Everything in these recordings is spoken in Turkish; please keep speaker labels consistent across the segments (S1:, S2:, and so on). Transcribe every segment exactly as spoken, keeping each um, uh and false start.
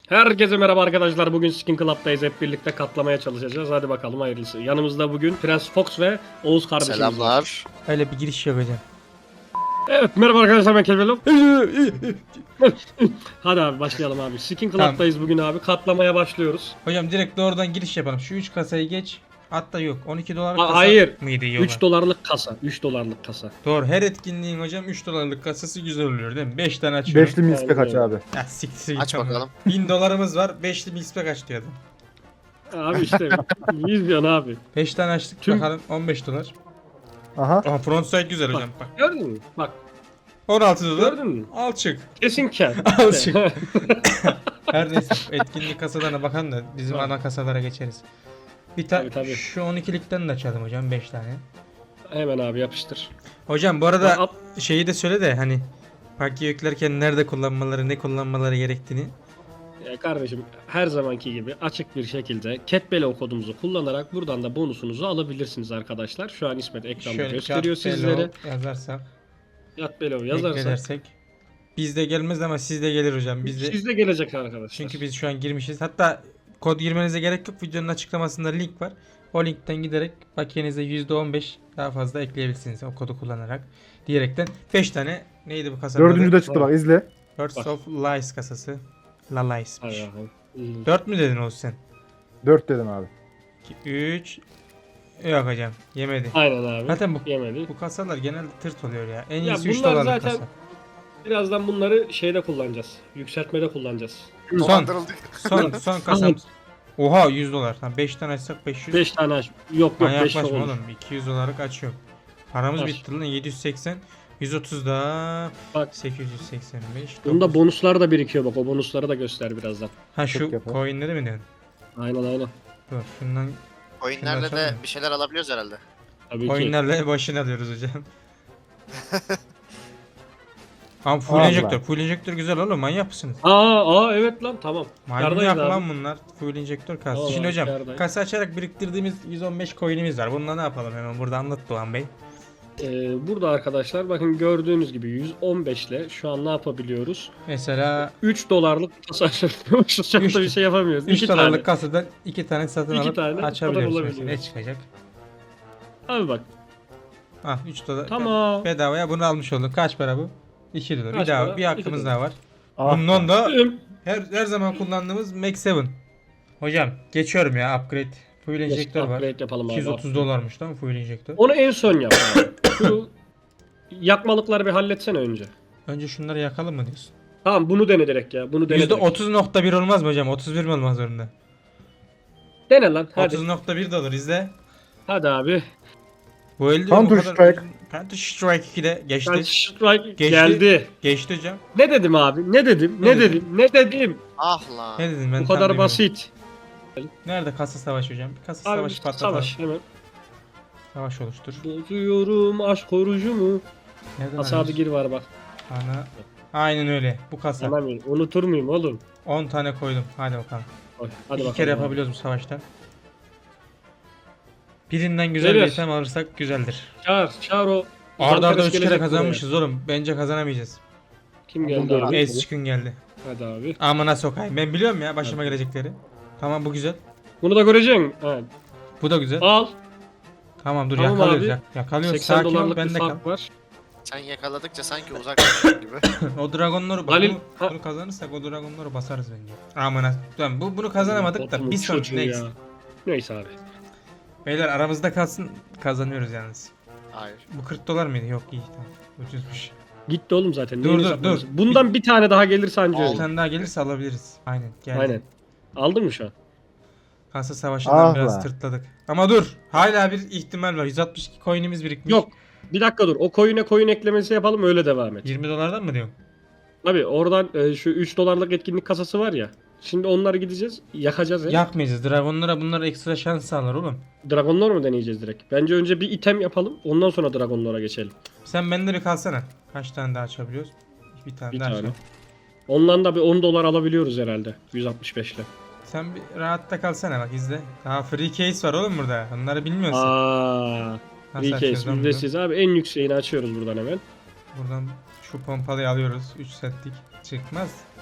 S1: Herkese merhaba arkadaşlar. Bugün Skin Club'dayız. Hep birlikte katlamaya çalışacağız. Hadi bakalım hayırlısı. Yanımızda bugün Prens Fox ve Oğuz kardeşimiz var.
S2: Selamlar.
S3: Öyle bir giriş yapacağım.
S1: Evet merhaba arkadaşlar, ben Kelvin. Hadi abi başlayalım abi. Skin Club'dayız bugün abi. Katlamaya başlıyoruz.
S3: Hocam direkt doğrudan giriş yapalım. Şu üç kasayı geç. Hatta yok. on iki dolarlık
S1: Ha,
S3: kasa
S1: hayır.
S3: mıydı yola?
S1: üç dolarlık kasa. üç dolarlık kasa.
S3: Doğru. Her etkinliğin hocam üç dolarlık kasası güzel oluyor değil mi? beş tane açıyorum.
S4: Beşli milspek aç abi.
S3: Ya siktir git
S2: Aç
S3: ama.
S2: bakalım.
S3: bin dolarımız var. beşli milspek aç diyordu.
S1: Abi işte yüz milyon abi.
S3: beş tane açtık
S1: Tüm-
S3: bakalım on beş dolar.
S4: Aha.
S3: Aha frontside güzel hocam bak.
S1: Gördün mü? Bak
S3: on altı dolar.
S1: gördün mü?
S3: Al çık.
S1: Kesin kar.
S3: Al çık. Her neyse etkinlik kasalarına bakalım da bizim
S1: Tamam.
S3: ana kasalara geçeriz. Bir tane
S1: Tabii, tabii.
S3: şu on ikilikten de açalım hocam beş tane.
S1: Hemen abi yapıştır.
S3: Hocam bu arada
S1: Al-
S3: şeyi de söyle de hani paketi yüklerken nerede kullanmaları, ne kullanmaları gerektiğini.
S1: Ya kardeşim her zamanki gibi açık bir şekilde Catbellow kodumuzu kullanarak buradan da bonusunuzu alabilirsiniz arkadaşlar. Şu an İsmet ekranda
S3: Şöyle
S1: gösteriyor
S3: Cat
S1: sizlere.
S3: Bellow yazarsak,
S1: Catbellow yazarsak
S3: yazarsak bizde gelmez ama sizde gelir hocam. Bizde
S1: sizde gelecek arkadaşlar.
S3: çünkü biz şu an girmişiz. Hatta kod girmenize gerek yok. Videonun açıklamasında link var. O linkten giderek paketinize yüzde on beş daha fazla ekleyebilirsiniz o kodu kullanarak. Diyerekten beş tane neydi bu kasanın
S4: Dördüncü
S3: adı?
S4: de çıktı bak izle.
S3: Birds
S1: Bak.
S3: of Lies kasası. La Lies'miş.
S1: Hay hay. Hmm.
S3: dört mü dedin Oğuz sen?
S4: Dört dedim abi.
S3: üç Yok hocam yemedi.
S1: Aynen abi.
S3: Zaten bu
S1: Yemedi.
S3: bu kasalar genelde tırt oluyor ya. En
S1: Ya
S3: iyisi üç
S1: bunlar
S3: dolarlık
S1: zaten-
S3: kasa.
S1: Birazdan bunları şeyde kullanacağız. Yükseltmede kullanacağız.
S3: Son
S2: Dolandırıldık.
S3: son son kasam. Oha yüz dolar. Tamam beş tane açsak beş yüz.
S1: beş tane aç. Yok yok
S3: Ben
S1: beş
S3: yaklaşma
S1: olur.
S3: oğlum. iki yüz dolarlık açıyorum. Paramız
S1: Aç.
S3: bitti lan yedi yüz seksen. yüz otuz daha
S1: Bak.
S3: sekiz yüz seksen beş.
S1: Bunda
S3: dokuz.
S1: bonuslar da birikiyor bak. O bonusları da göster birazdan.
S3: Ha şu
S4: Çok yapar.
S3: coinleri mi diyorsun?
S1: Aynen aynen.
S3: Dur şundan
S2: Coinlerle
S3: Şundan
S2: de
S3: sonra-
S2: bir şeyler alabiliyoruz herhalde.
S1: Tabii ki.
S3: coinlerle başını alıyoruz hocam. Ama full
S4: Allah.
S3: enjektör. Full enjektör güzel oğlum manyak mısınız?
S1: Aa aa evet lan tamam. Kardayız
S3: Manyak
S1: abi.
S3: lan bunlar. Full enjektör kası.
S1: Tamam
S3: Şimdi
S1: abi,
S3: hocam
S1: kârdayız.
S3: kasa açarak biriktirdiğimiz yüz on beş coin'imiz var. Bununla ne yapalım hemen burada anlat Doğan Bey.
S1: Ee, burada arkadaşlar bakın gördüğünüz gibi yüz on beş ile şu an ne yapabiliyoruz?
S3: Mesela
S1: üç dolarlık kasa açabiliyormuşuz. Çok
S3: Üç-
S1: da bir şey yapamıyoruz.
S3: üç
S1: İki
S3: dolarlık
S1: tane.
S3: kasadan iki tane satın
S1: İki
S3: alıp
S1: tane
S3: açabiliyoruz
S1: kadar
S3: mesela. Ne
S1: olabiliyor.
S3: çıkacak?
S1: Abi bak.
S3: Ah üç dolar.
S1: Tamam.
S3: Bedavaya bunu almış olduk. Kaç para bu? iki dolar.
S1: Kaç
S3: bir daha
S1: para?
S3: bir
S1: iki
S3: hakkımız
S1: dolar.
S3: daha var.
S4: Ah.
S3: Bundan da
S1: Üm,
S3: her her zaman kullandığımız Max yedi. Hocam geçiyorum ya upgrade. Fuel enjektör var.
S1: upgrade yapalım abi.
S3: iki yüz otuz dolarmış değil mi fuel enjektör?
S1: Onu en son yap abi. Şu yakmalıkları bir halletsene önce.
S3: Önce şunları yakalım mı diyorsun?
S1: Tamam bunu dene direkt ya. Bunu dene
S3: yüzde
S1: direkt.
S3: otuz nokta bir olmaz mı hocam? otuz bir mi olmaz zorunda?
S1: Dene lan hadi.
S3: otuz nokta bir de olur izle.
S1: Hadi abi.
S3: Bu elde
S4: Counter
S3: o kadar-
S4: Strike.
S3: Counter Strike ikide geçti.
S1: Ben strike
S3: Geçti.
S1: geldi.
S3: Geçti hocam.
S1: Ne dedim abi? Ne dedim?
S3: Ne
S1: Ne,
S3: dedin?
S1: dedim? Ne dedim?
S2: Ah lan.
S3: Ne dedim ben
S1: Bu
S3: tam
S1: kadar
S3: duymadım.
S1: basit.
S3: Nerede kasa savaşı hocam? Bir kasa
S1: Abi
S3: savaşı patlatalım.
S1: savaş hemen.
S3: Savaş oluştur.
S1: Bozuyorum aşk orucu mu?
S3: Nereden
S1: Asadı
S3: alıyoruz?
S1: gir var bak.
S3: Ana. Aynen öyle. Bu kasa.
S1: Anlamıyorum. Unutur muyum oğlum?
S3: on tane koydum. Hadi bakalım.
S1: Oy, hadi
S3: İki
S1: bakalım.
S3: kere yapabiliyoruz bu savaşta. Birinden güzel bir
S1: Geliyor.
S3: item alırsak güzeldir.
S1: Çağır, çağır o.
S3: Arda arda
S1: Zantares
S3: üç kere
S1: gelecek
S3: kazanmışız oğlum. Bence kazanamayacağız.
S1: buraya. Kim
S4: Bunda
S1: geldi abi?
S4: abi.
S3: Ezçikün geldi.
S1: Hadi abi.
S3: Amına sokayım. Ben biliyorum ya başıma gelecekleri. Tamam bu güzel.
S1: Bunu da göreceksin. Ha.
S3: Bu da güzel.
S1: Al.
S3: Tamam dur
S1: Tamam
S3: yakalıyoruz.
S1: abi.
S3: Yak yakalıyoruz.
S1: seksen
S3: Sakin ol
S1: dolarlık
S3: ben
S1: bir
S3: de kal.
S1: fark var.
S2: Sen yakaladıkça sanki uzaklaşıyorsun gibi.
S3: O dragonları bak
S1: Halil-
S3: bunu,
S1: Ha.
S3: bunu kazanırsak o dragonları basarız bence. Amına. Tamam bu bunu kazanamadık da
S1: Botumun
S3: bir sonraki
S1: çocuğu
S3: next.
S1: ya. Neyse abi.
S3: Beyler aramızda kalsın kazanıyoruz yalnız.
S2: Hayır.
S3: Bu kırk dolar mıydı? Yok iyi tamam. Ucuzmuş.
S1: Gitti oğlum zaten.
S3: Dur,
S1: Neyini
S3: dur,
S1: saklıyorsun?
S3: dur.
S1: Bundan bir tane daha gelirse anca
S3: Bir
S1: öyle.
S3: tane daha gelirse alabiliriz. Aynen geldi.
S1: Aynen. Aldın mı şu an?
S3: Kasa savaşından
S4: Ah
S3: biraz
S4: be.
S3: tırtladık. Ama dur. Hala bir ihtimal var. yüz altmış iki coin'imiz birikmiş.
S1: Yok. Bir dakika dur. O koyuna koyun eklemesi yapalım öyle devam et.
S3: yirmi dolardan mı diyorsun?
S1: Abi oradan e, şu üç dolarlık etkinlik kasası var ya. Şimdi onları gideceğiz. Yakacağız ya.
S3: Yakmayacağız. Dragonlara bunlar ekstra şans sağlar oğlum.
S1: Dragonlar mı deneyeceğiz direkt? Bence önce bir item yapalım. Ondan sonra dragonlara geçelim.
S3: Sen bende bir kalsana. Kaç tane daha açabiliyoruz? Bir tane
S1: Bir
S3: daha
S1: tane.
S3: açalım.
S1: Ondan da bir on dolar alabiliyoruz herhalde. yüz altmış beş ile.
S3: Sen bir rahatta kalsana bak izle. Daha free case var oğlum burada. Onları bilmiyorsun.
S1: Aaa.
S3: Nasıl
S1: Free
S3: açacağız
S1: case
S3: lan bunu?
S1: ücretsiz abi. En yükseğini açıyoruz buradan hemen.
S3: Buradan şu pompalıyı alıyoruz. üç setlik. Çıkmaz.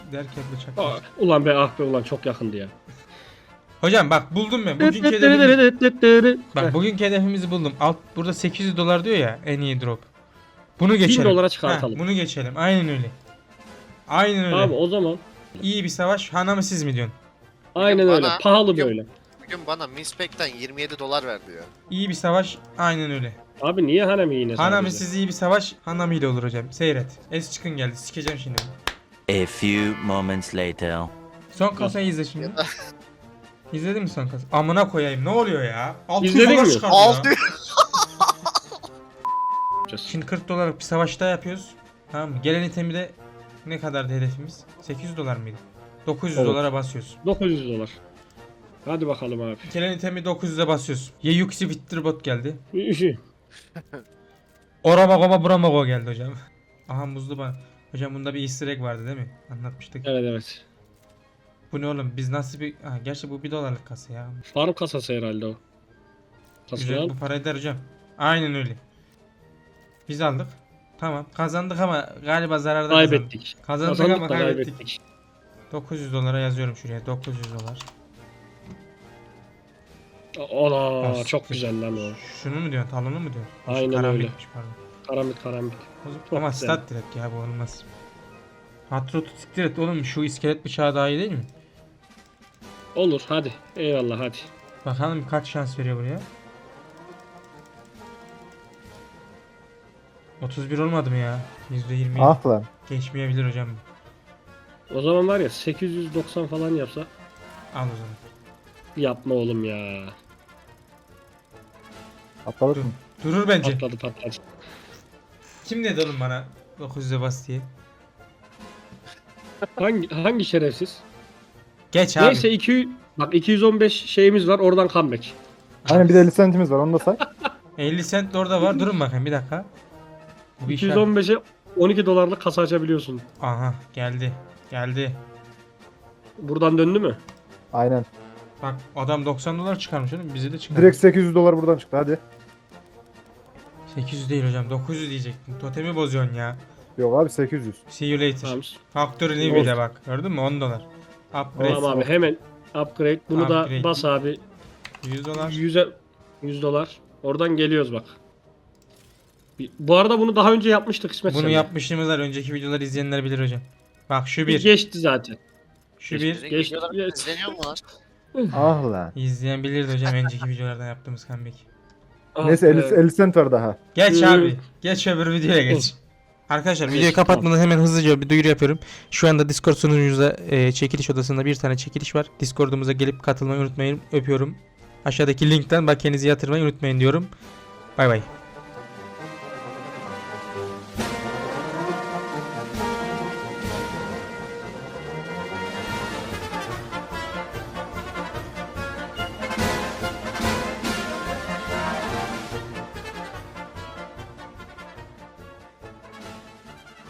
S3: derken bıçak.
S1: Aa, ulan be ah be ulan çok yakındı ya.
S3: Hocam bak buldum ben. Bugünkü hedefimiz, bak bugünkü hedefimizi buldum. Alt burada sekiz yüz dolar diyor ya en iyi drop. Bunu geçelim.
S1: dolara çıkartalım.
S3: Heh, bunu geçelim. Aynen öyle. Aynen öyle.
S1: Abi o zaman
S3: İyi bir savaş. Hana mı siz mi diyorsun?
S1: aynen
S2: Bana-
S1: öyle. Pahalı
S2: Bugün-
S1: böyle.
S2: Bugün bana Mispek'ten yirmi yedi dolar ver diyor.
S3: İyi bir savaş. Aynen öyle.
S1: Abi niye Hanami yine
S3: Hana mı
S1: sadece?
S3: siz iyi bir savaş. Hanami ile olur hocam. Seyret. Es çıkın geldi. Sikeceğim şimdi.
S5: A few moments later.
S3: Son kasayı izle şimdi. İzledin mi son kasayı? Amına koyayım. Ne oluyor ya? altı yüz
S1: İzledin
S3: dolar
S1: mi?
S3: çıkardı ya.
S2: Altı.
S3: Şimdi kırk dolarlık bir savaş daha yapıyoruz. Tamam mı? Gelen itemi de ne kadardı hedefimiz? sekiz yüz dolar mıydı? dokuz yüz
S1: Evet.
S3: dolara basıyoruz.
S1: dokuz yüz dolar. Hadi bakalım abi.
S3: Gelen itemi dokuz yüze basıyoruz. Yeyuksi Witterbot geldi. Oramago'ma Buramago geldi hocam. Aha muzlu ban. Hocam bunda bir easter egg vardı değil mi? Anlatmıştık.
S1: Evet evet.
S3: Bu ne oğlum? Biz nasıl bir... Ha, gerçi bu bir dolarlık kasa ya.
S1: Farm kasası herhalde o. Kasayı
S3: Güzel
S1: al.
S3: bu para eder hocam. Aynen öyle. Biz aldık. Tamam. Kazandık ama galiba zararda kazandık.
S1: Kaybettik.
S3: Kazandık,
S1: Kazandık
S3: ama
S1: da
S3: kaybettik.
S1: kaybettik.
S3: dokuz yüz dolara yazıyorum şuraya. dokuz yüz dolar.
S1: Ola
S3: Bas.
S1: çok güzel lan o.
S3: Şunu mu diyorsun? Talonu mu diyorsun? Şu
S1: Aynen
S3: karambitmiş, pardon.
S1: Karambit karambit. Çok
S3: Ama
S1: güzel.
S3: stat direkt ya bu olmaz. Hatrotu siktir et oğlum, şu iskelet bıçağı daha iyi değil mi?
S1: Olur hadi. Eyvallah hadi.
S3: Bakalım kaç şans veriyor buraya. otuz bir olmadı mı ya? yüzde yirmi
S4: Ah lan.
S3: geçmeyebilir hocam.
S1: O zaman var ya sekiz yüz doksan falan yapsa
S3: Al o zaman.
S1: yapma oğlum ya.
S4: Atladık
S3: Dur.
S4: mı?
S3: Durur bence.
S1: Patladı patladı.
S3: Kim dedi oğlum bana dokuz yüze bas diye?
S1: Hangi hangi şerefsiz?
S3: Geç abi.
S1: Neyse iki bak iki yüz on beş şeyimiz var oradan comeback.
S4: Aynen bir de elli centimiz var onu da say.
S3: elli cent de orada var. Durun bakayım bir dakika. Bu bir
S1: iki
S3: şey.
S1: yüz on beşe on iki dolarlık kasa açabiliyorsun.
S3: Aha geldi. Geldi.
S1: Buradan döndü mü?
S4: Aynen.
S3: Bak adam doksan dolar çıkarmış oğlum. Bize de çıkar.
S4: Direkt sekiz yüz dolar buradan çıktı hadi.
S3: sekiz yüz değil hocam. dokuz yüz diyecektin. Totemi bozuyorsun ya.
S4: Yok abi sekiz yüz.
S3: See you later.
S1: Tamam.
S3: Faktörü ne
S1: Olsun.
S3: bile bak. Gördün mü? on dolar. Upgrade.
S1: Tamam abi hemen upgrade. Bunu
S3: Upgrade.
S1: da bas abi.
S3: yüz dolar.
S1: yüze yüz dolar. Oradan geliyoruz bak. Bir- Bu arada bunu daha önce yapmıştık İsmet.
S3: Bunu
S1: seninle.
S3: yapmışlığımız var. Önceki videoları izleyenler bilir hocam. Bak şu bir.
S1: Geçti zaten.
S3: Şu bir.
S2: Bizim
S1: Geç-
S2: videolarımız
S1: geç.
S2: izleniyor mu lan?
S4: Ah lan.
S3: İzleyen bilirdi hocam önceki videolardan yaptığımız comeback.
S1: Ah
S4: Neyse
S1: be.
S4: elli, elli cent var daha.
S3: Geç
S1: Hı.
S3: abi. Geç öbür videoya geç. Arkadaşlar videoyu kapatmadan hemen hızlıca bir duyuru yapıyorum. Şu anda Discord sunucumuzda e, çekiliş odasında bir tane çekiliş var. Discord'umuza gelip katılmayı unutmayın. Öpüyorum. Aşağıdaki linkten bakiyenizi yatırmayı unutmayın diyorum. Bay bay.